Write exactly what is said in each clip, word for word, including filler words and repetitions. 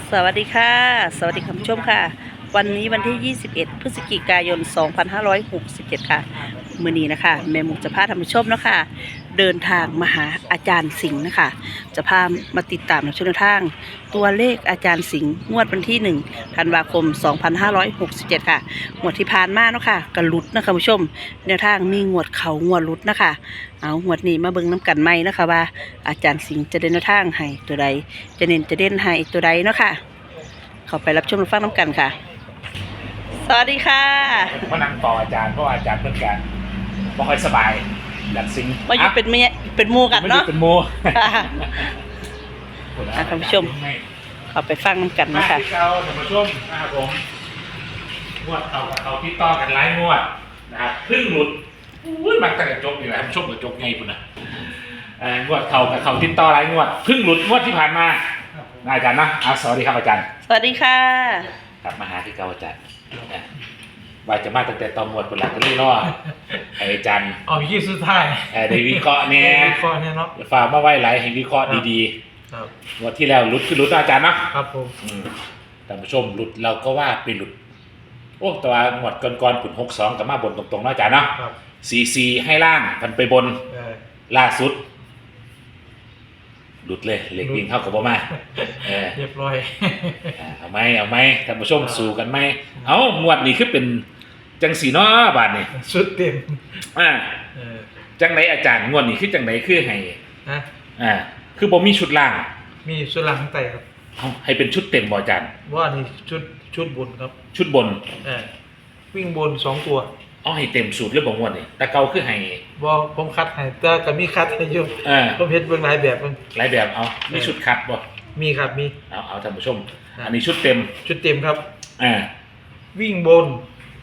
สวัสดีค่ะสวัสดีคุณผู้ชมค่ะวันนี้วันที่ยี่สิบเอ็ดพฤศจิกายนสองพันห้าร้อยหกสิบเจ็ดค่ะมื้อนี้นะคะแม่หมูจะพาท่านผู้ชมเนาะค่ะเดินทางมาหาอาจารย์สิงห์นะคะจะพามาติดตามในช่วงทางตัวเลขอาจารย์สิงห์งวดวันที่หนึ่งธันวาคมสองพันห้าร้อยหกสิบเจ็ดค่ะงวดที่ผ่านมาเนาะค่ะกระลุดนะคะผู้ชมแนวทางมีงวดเขางวดลุดนะคะเอางวดนี้มาเบิ่งน้ำกันไหมนะคะว่าอาจารย์สิงห์จะเดินแนวทางให้ตัวใดจะเน้นจะเด่นให้ตัวใดเนาะค่ะเข้าไปรับชมรับฟังน้ำกันค่ะสวัสดีค่ะผมก็นั่งต่ออาจารย์เพราะว่าอาจารย์เพื่อนกันไม่ค่อยสบายดัดซิงมาอยู่เป็นเมียเป็นหมูกันไม่ได้เนาะเป็นโมค่ะ อ่ะท่านผู้ชม เข้าไปฟังน้ำกันมานะคะที่เขาท่านผู้ชมนะครับผมงวดเขากับเขาที่ต่อกันหลายงวดนะครับเพิ่งหลุดอุ้ยมันตั้งแต่จบนี่แหละท่านผู้ชมกับจบไงคุณนะเอ่องวดเขากับเขาที่ต่อหลายงวดเพิ่งหลุดงวดที่ผ่านมานะอาจารย์นะอ่ะสวัสดีครับอาจารย์สวัสดีค่ะกลับมาหาที่เก่าอาจารย์นะว่าจะมาตั้งแต่ตอนหมวดคนหลักก็เลยรอไอ้อาจารย์เอายี่สุดท้ายเอ่อได้วิเคราะห์เนี่ยวิเคราะห์เนี่ยเนาะฝากมาไว้หลายให้วิเคราะห์ดีครับๆงวดที่แล้วหลุดคือหลุดนะอาจารย์เนาะครับผมอืมท่านผู้ชมหลุดเราก็ว่าไปหลุดโอ้แต่ว่าหมวดก่อนๆผุนหกสองกับมาบนตรงๆนะอาจารย์เนาะครับสี่สี่ให้ล่างพันไปบนเออล่าสุด หลุดเลยเหล็กวิ่งเข้ากับบ่มาเออเรียบร้อยอ่าเอาไหมเอาไหมท่านผู้ชมสู้กันไหมเอาหมวดนี้คือเป็นจังสีเนาะบาทนี่สุดเต็มอ่าเออจังไหนอาจารย์งวดนี้คือจังไหนคือให้นะอ่าคือบ่มีชุดล่างมีสุดหลังไต่ครับเอาให้เป็นชุดเต็มบ่อาจารย์ว่านี่ชุดชุดบนครับชุดบนเออวิ่งบนสองตัวเอาให้เต็มสูตรเรื่องบ่งวดนี่แต่เก่าคือให้ว่าผมคัดให้แต่ก็มีคัดให้อยู่อ่าผมเห็นเบื้องหลายแบบมันหลายแบบเอามีชุดคัดบ่มีครับมีเอาเอาท่านผู้ชมครับอันนี้ชุดเต็มชุดเต็มครับอ่าวิ่งบน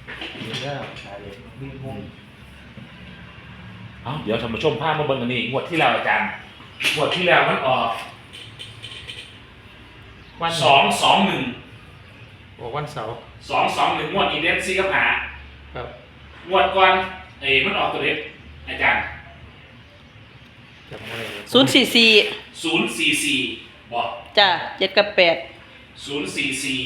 เอาเดี๋ยวท่านผู้ชมพามาเบิ่งอันนี้งวดที่แล้วอาจารย์งวดที่แล้วมันออกวันสองสองหนึ่งบอกวันเสาร์สองสองหนึ่งงวดอีเดนซีกับหาครับงวดก่อนเอ้ยมันออกตัวเล็กอาจารย์จำไม่ได้เลยศูนย์สี่สี่ศูนย์สี่สี่บอกจ้ะเจ็ดกับแปดศูนย์สี่สี่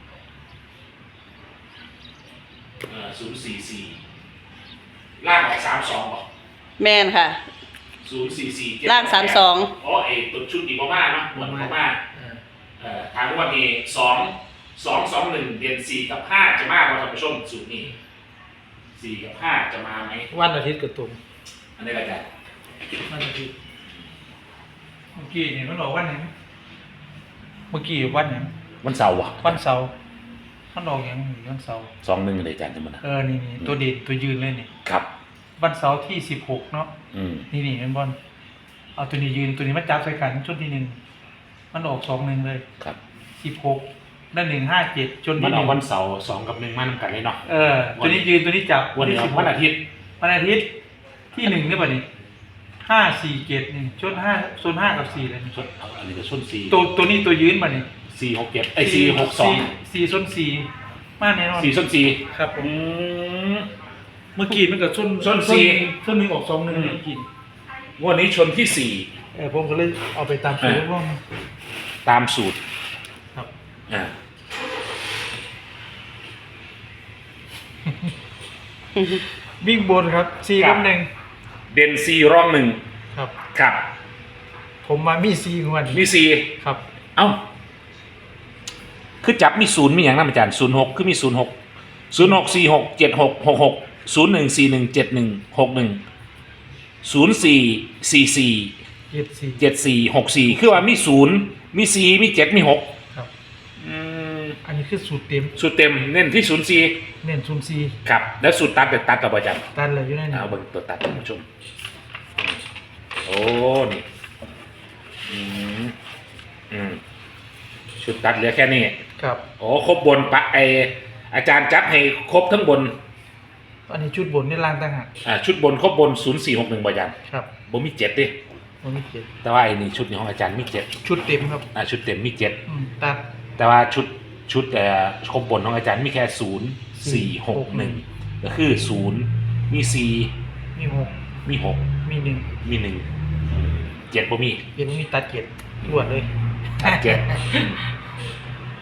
เอ่อศูนย์สี่สี่ล่างออกสามสองบอกแมนค่ะศูนย์สี่สี่ล่างสามสองอ๋อไอ้ตัวชุดอีกประมาณเนาะหมวดประมาณเออเอ่อทางวันนี้สองสองสองหนึ่งเดือนสี่กับห้าจะมากกว่าท่านผู้ชมสูตรนี้สี่กับห้าจะมาไหมวันอาทิตย์กับตุ่มอันนี้ก็จะวันอาทิตย์เมื่อกี้นี่มันออกวันไหนเมื่อกี้วันไหนวันเสาร์วะวันเสาร์มันออกอย่างนี้วันเสาร์สองหนึ่งเลยอาจารย์จะมันเออนี่นี่ตัวเด่นตัวยืนเลยนี่ครับวันเสาร์ที่สิบหกเนาะอืมนี่นี่เป็นบอลเอาตัวนี้ยืนตัวนี้มาจับใส่กันชุดที่หนึ่งมันออกสองหนึ่งเลยครับสิบหกนั่นหนึ่งห้าเจ็ดจนมันที่หออนึ่กงวันเสาร์สองกับหนึ่งมานำกันเลยเนาะเออตัวนี้ยืนตัวนี้จับวันนี้ที่สิบหวันกอาทิตย์วันอาทิตย์ที่หนึ่งเนี่ยป่ะนี่ห้าสี่เจ็ดนี่ชุดห้าโซนห้ากับสี่เลยนี่ชนเอาอันนี้ก็ชนสี่ตัวตัวนี้ตัวยืนป่ะนี่สี่หกเจ็ดไอ้สี่หกสองสี่ส้นสี่มากแน่นอนสี่ชนสี่ครับผมอืมเมื่อกี้มันกับส้นส้นสี่ส้นหนึ่งออกสองหนึ่งอืมเมื่อกี้งวดนี้ชนที่สี่เออผมก็เลยเอาไปตามสูตรว่าตามสูตรครับอ่าวิ่งบนครับสี่กับหนึ่งเด่นสี่ร่องหนึ่งครับครับผมมามีสี่งวดมีสี่ครับเอ้าคือจับมีศูนย์มีอย่างนั้นอาจารย์ศูนย์หกคือมีศูนย์หกศูนย์หกสี่หกเจ็ดหกหกหกศูนย์หนึ่งสี่หนึ่งเจ็ดหนึ่งหกหนึ่งศูนย์สี่สี่สี่เจ็ดสี่เจ็ดสี่หกสี่คือว่ามีศูนย์มีสี่มีเจ็ดมีหกครับอืมอันนี้คือสูตรเต็มสูตรเต็มเน้นที่ศูนย์สี่เน้นศูนย์สี่ครับแล้วสูตรตัดเด็ดตัดกับอาจารย์ตันเลยอยู่ในนี้เอาเบิ่งตัวตัดท่านผู้ชมโอ้นี่อืมอืมชุดตัดเหลือแค่นี้ครับโอ้ครบบนปะไออาจารย์จัดให้ครบทั้งบนอันนี้ชุดบนนี่ล่างต่างหากอ่าชุดบนครบบนศูนย์สี่หกหนึ่งบอาจารย์ครับบ่มีเจ็ดดิมันมีเจ็ดแต่ว่าไอ้นี่ชุดนี้ของอาจารย์มีเจ็ดชุดเต็มครับอ่าชุดเต็มมีเจ็ดอืมตัดแต่ว่าชุดชุดเอ่อครบบนของอาจารย์มีแค่ศูนย์สี่หกหนึ่งก็คือศูนย์มีสี่มีหกมีหกมีหนึ่งมีหนึ่งเจ็ดบ่มีเป็นมีตัดเจ็ดรวดเลยตัดเจ็ด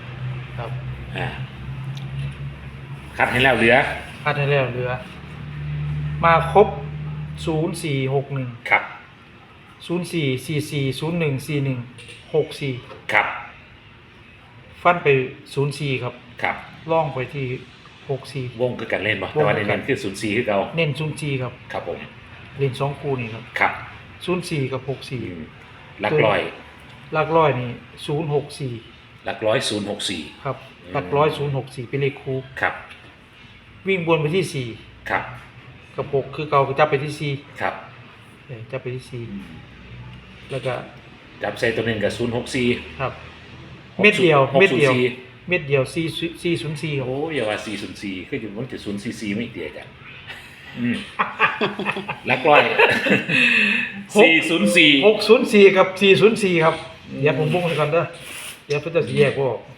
ครับอ่าคัดให้แล้วเหลือคัดให้แล้วเหลือ มาครบศูนย์สี่หกหนึ่งครับศูนย์สี่สี่สี่ศูนย์หนึ่งสี่หนึ่งหกสี่ครับฟันไปศูนย์สี่ครับครับล่องไปที่หกสี่วงคือการเล่นบ่แต่ว่าในเน้นคือศูนย์สี่คือเก่าเน้นศูนย์สี่ครับครับผมเล่นสองคู่นี่ครับครับศูนย์สี่กับหกสี่อืมหลักร้อยหลักร้อยนี่ศูนย์หกสี่หลักร้อยศูนย์หกสี่ครับอืมหลักร้อยศูนย์หกสี่เป็นเลขคู่ครับวิ่งบนไปที่สี่ครับกับหกคือเก่าก็จับไปที่สี่ครับเออจับไปที่สี่อืมแล้วก็จับใส่ตัวหนึ่งกับศูนย์หกสี่ครับ เม็ดเดียวหกเม็ดศูนเดียวสี่เม็ดเดียวสี่สี่ศูนย์สี่ครับโอ้ยอย่าว่าสี่ศูนย์สี่คืออยู่มันจะศูนย์สี่สี่ไม่เดียวกันอืมหลักร้อยสี่ศูนย์สี่หกศูนย์สี่กับสี่ศูนย์สี่ครับอืมเดี๋ยวผมบุ้งให้ก่อนเด้อเดี๋ยวเพื่อจะแยกว่าออก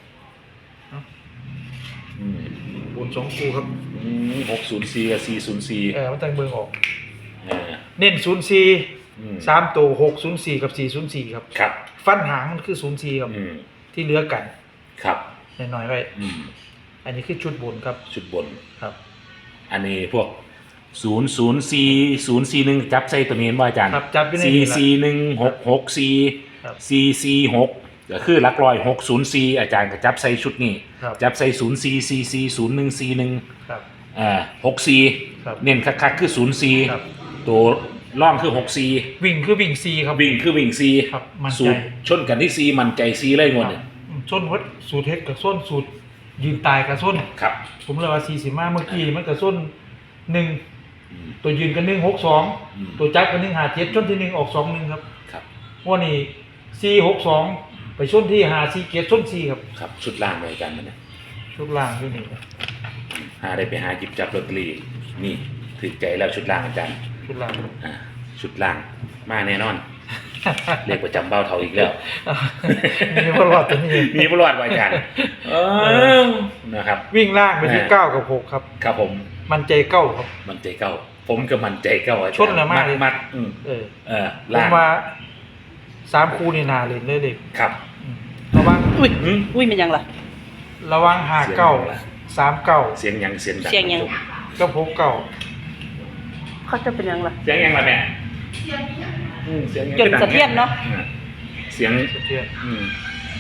อืมบนสองคู่ครับหกศูนย์สี่กับสี่ศูนย์สี่เออมันตั้งเบิ่งออกอ่าเน้นศูนย์สี่อืมสามตัวหกศูนย์สี่กับสี่ศูนย์สี่ครับครับฟันหางมันคือศูนย์สี่ครับอืมที่เหลือกันครับหน่อยๆไว้อืมอันนี้คือชุดบนครับชุดบนครับอันนี้พวกศูนย์ศูนย์สี่ศูนย์สี่หนึ่งจับใส่ตัวนี้ว่าอาจารย์ครับจับอยู่ในสี่นี้ละสี่หนึ่งหกหกสี่ครับสี่สี่หกก็คือหลักร้อยหกศูนย์สี่อาจารย์ก็จับใส่ชุดนี้ครับจับใส่ศูนย์สี่สี่สี่ศูนย์หนึ่งสี่หนึ่งครับอ่าหกสี่ครับเน้นคักๆคือศูนย์สี่ครับตัวล่องคือหกสี่วิ่งคือวิ่งสี่ครับวิ่งคือวิ่งสี่ครับมั่นใจสูตรชนกันที่สี่มันใจสี่เลยงวดเนี่ยอืมส้นวัดสูตรเฮ็ดกับส้นสูตรยืนตายกับส้นครับผมเลยว่าสี่สิบห้าเมื่อกี้มันกับส้นหนึ่งอืมตัวยืนกันหนึ่งหกสองอืมตัวจับกันหนึ่งหาเจ็ดชนที่หนึ่งออกสองหนึ่งครับครับวันนี้สี่หกสองไปชนที่หาสี่เจ็ดชนสี่ครับครับชุดล่างเลยอาจารย์มันเนี่ยชุดล่างด้วยนี่หาได้ไปหาหยิบจับลอตเตอรี่นี่ถือใจแล้วชุดล่างอาจารย์ชุดล่างอ่าชุดล่างมาแน่นอน เรียกประจำเบ้าเท่าอีกแล้วมีพลอดตัวนี้มีประวัติไว้อาจารย์เออนะครับวิ่งล่างไปที่อ่าเก้ากับหกครับครับผมมันใจเก้าครับมันใจเก้าผมก็มันใจเก้าอาจารย์ชนละมากเลยมัดอืมเออเออผมล่างว่าสามคู่นี่นาเล่นเลยเด็กครับอืมระวังอุ้ยอืมอุ้ยมันยังล่ะระวังหาเก้าเสียงอะไรสามเก้าเสียงยังเสียงดังเสียงยังก็พกเก้าเขาจะเป็นยังล่ะเสียงยังล่ะแม่อืมเสียงยังจนสะเทือนเนาะอืมเสียงสะเทือนอืม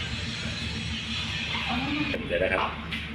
เดี๋ยวนะครับ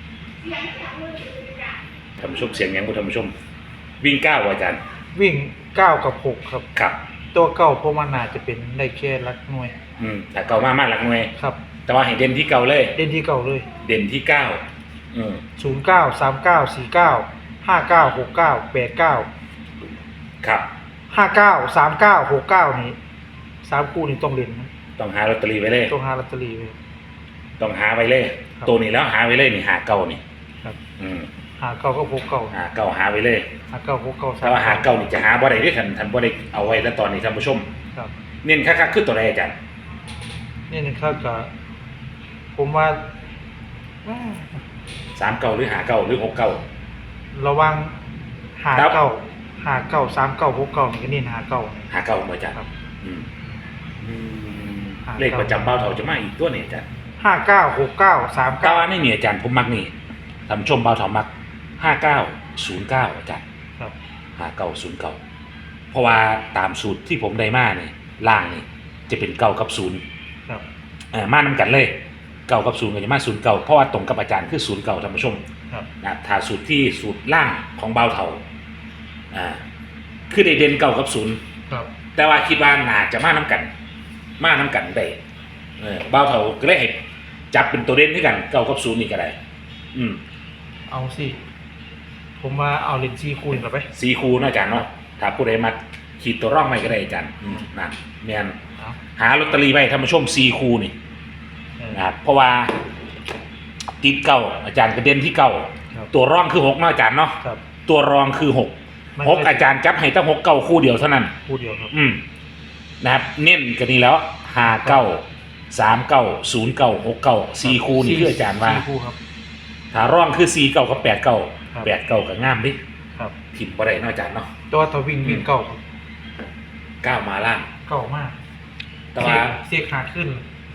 ท่านผู้ชมเสียงยังผู้ท่านผู้ชม วิ่งก้าวอาจารย์วิ่งเก้ากับหกครับครับตัวเก้าเพราะมันน่าจะเป็นได้แค่ลักหน่วยอืมแต่เก่ามากมากหลักหน่วยครับแต่ว่าให้เด่นที่เก่าเลยเด่นที่เก้าเลยเด่นที่เก้าอืมศูนย์เก้าสามเก้าสี่เก้าห้าเก้าหกเก้าแปดเก้าครับห้าเก้าสามเก้าหกเก้านี้สามคู่นี้ต้องเล่นนะต้องหาลอตเตอรี่ไว้เลยต้องหาลอตเตอรี่ไว้ต้องหาไว้เลยครับตัวนี้แล้วหาไว้เลยนี่หาเก่านี่ครับอืมหาเก้าก็พกเก้าหาเก่าหาไว้เลยหาเก้าพกเก้าแต่ว่าหาเก่านี่จะหาบ่ได้ด้วยทันทันบ่ได้เอาไว้แล้วตอนนี้ท่านผู้ชมครับเน้นคักๆคือตัวใดอาจารย์นี่นะครับก็ผมว่าสามเก่าหรือหาเก่าหรือหกเก่าระวังหาครับเก้าหาเก้าสามเก้าพกเก้านี่ก็เน้นหาเก้าหาเก่าบ่อาจารย์ครับอืมอืมหาเก่าเลขประจำเบ้าเถาจะมาอีกตัวนี่อาจารย์ห้าเก้าหกเก้าสามเก้าเก้าอันนี้นี่อาจารย์ผมมักนี่ท่านผู้ชมเบ้าเถามักห้าเก้าศูนย์เก้าอาจารย์ครับหาเก้าศูนย์เก้าเพราะว่าตามสูตรที่ผมได้มาเนี่ยล่างนี่จะเป็นเก้ากับศูนย์ครับเออมานำกันเลยเก้ากับศูนย์ก็จะมาศูนย์เก้าเพราะว่าตรงกับอาจารย์คือศูนย์เก้าท่านผู้ชมครับนะถ้าสูตรที่สูตรล่างของเบาเถาอ่าคือได้เด่นเก้ากับศูนย์ครับแต่ว่าคิดว่าน่าจะมาน้กัน มาน้กันได้เออเบาเถาก็เลยให้จับเป็นตัวเด่นด้วยกันเก้ากับศูนย์นี่ก็ได้อืมเอาสิผมว่าเอาเลนซี่คูณกลับไปสีคูเนาะอาจารย์เนาะถ้าผู้ใดมาขีดตัวร่องไม่ก็ได้อาจารย์อืมนั่นแมนเอาหาลอตเตอรี่ไว้ท่านผู้ชมสีคูนี่เออนะครับเพราะว่าติดเก้าอาจารย์กระเด็นที่เก้าครับตัวร่องคือหกเนาะอาจารย์เนาะครับตัวรองคือหกไม่หกอาจารย์จับให้ตั้งหกเก้าคู่เดียวเท่านั้นคู่เดียวครับอืมนะครับ เน้นกันนี้แล้วห้าเก้าสามเก้าศูนย์เก้าหกเก้าสี่คู่นี่คืออาจารย์ว่าสี่คู่ครับถ้าร่องคือสี่เก้ากับแปดเก้าครับแปดเก้ากับงามดิครับผิดบ่ได้เนาะอาจารย์เนาะตัวถ้าวิ่งวิ่งเก้าครับเก้ามาล่างเก้ามากแต่ว่าเสียขาขึ้นอ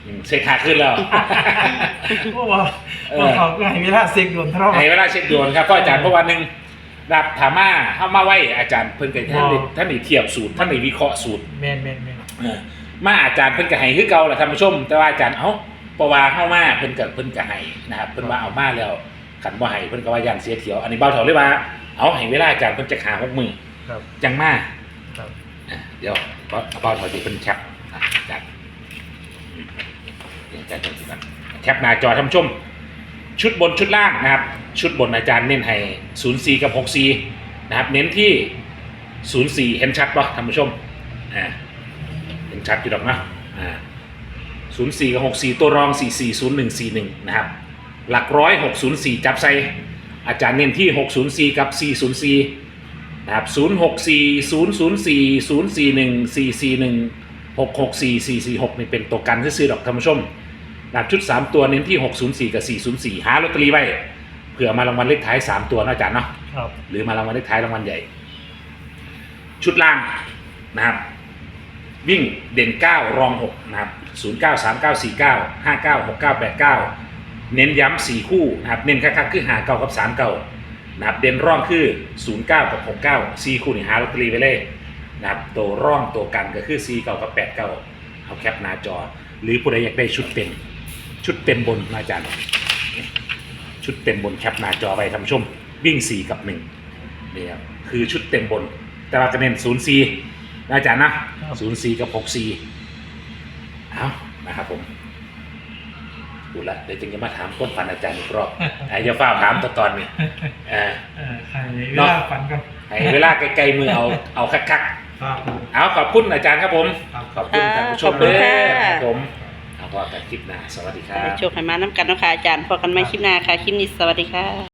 อืมเช็คขาขึ้นแล้วโอ้ว่าว่าเขาก็ให้เวลาเซ็กโดนเท่าในเวลาเช็คดวงครับก็อาจารย์เพราะวันหนึ่งรับถามาเข้ามาไหวอาจารย์เพิ่นกับท่านได้ท่านได้เทียบสูตรท่านได้วิเคราะห์สูตรแมนแมนแมนเออมาอาจารย์เพิ่นก็ให้คือเก่าแหละท่านผู้ชม แต่ว่าอาจารย์เอ้าปว่าเข้ามาเพิ่นก็เพิ่นก็ให้นะครับเพิ่นว่าเอามาแล้วขันบ่ให้เพิ่นก็ว่าย่านเสียเถียวอันนี้เบาเถาเลยว่าเอาให้เวลาอาจารย์เพิ่นจะหาหกมือครับจังมาครับอ่ะเดี๋ยวเบาเบาเถาสิเพิ่นแคปอ่ะอาจารย์เดี๋ยวอาจารย์เพิ่นสิกันแคปหน้าจอท่านผู้ชม ชุดบนชุดล่างนะครับ ชุดบนอาจารย์เน้นให้ศูนย์สี่กับหกสี่นะครับเน้นที่ศูนย์สี่เห็นชัดป่ะท่านผู้ชมอ่าเห็นชัดอยู่ดอกนะอ่าศูนย์สี่กับหกสี่ตัวรองสี่สี่ศูนย์หนึ่งสี่หนึ่งนะครับหลักร้อยหกศูนย์สี่จับใส่อาจารย์เน้นที่หกศูนย์สี่กับสี่ศูนย์สี่นะครับศูนย์หกสี่ศูนย์ศูนย์สี่ศูนย์สี่หนึ่งสี่สี่หนึ่งหกหกสี่สี่สี่หกนี่เป็นตัวกันซื้อๆดอกท่านผู้ชมนะครับชุดสามตัวเน้นที่หกศูนย์สี่กับสี่ศูนย์สี่หาลอตเตอรี่ไว้เผื่อมารางวัลเลขท้ายสามตัวนะอาจารย์เนาะครับหรือมารางวัลเลขท้ายรางวัลใหญ่ ชุดล่างนะครับวิ่งเด่นเก้ารองหกนะครับศูนย์เก้าสามเก้าสี่เก้าห้าเก้าหกเก้าแปดเก้าเน้นย้ำสี่คู่นะครับเน้นคักๆคือหาเก้ากับสามเก้านะครับเด่นร่องคือศูนย์เก้ากับหกเก้าสี่คู่นี่หาลอตเตอรี่ไปเลยนะครับตัวร่องตัวกันก็คือสี่เก้ากับแปดเก้าเอาแคปหน้าจอ หรือผู้ใดอยากได้ชุดเต็มชุดเต็มบนนะอาจารย์ชุดเต็มบนแคปหน้าจอไปท่านผู้ชมวิ่งสี่กับหนึ่งนี่ครับคือชุดเต็มบน แต่ว่าจะเน้นศูนย์สี่นะอาจารย์นะศูนย์สี่กับหกสี่เอานะครับผมดูละเดี๋ยวจึงจะมาถามต้นฟันอาจารย์อีกรอบไอ้จะฝ้าถามตอนตอนนี้เออเออใครเวลาฝันกันไอ้เวลาไกลๆมือเอาเอาคักครับๆเอาขอบคุณอาจารย์ครับผมครับขอบคุณท่านผู้ชมขอบคุณค่ะครับผมเอาพอกันคลิปหน้าสวัสดีครับให้โชคให้มาน้ำกันเนาะค่ะอาจารย์พอกันไม่คลิปหน้าค่ะ คลิปนี้สวัสดีค่ะ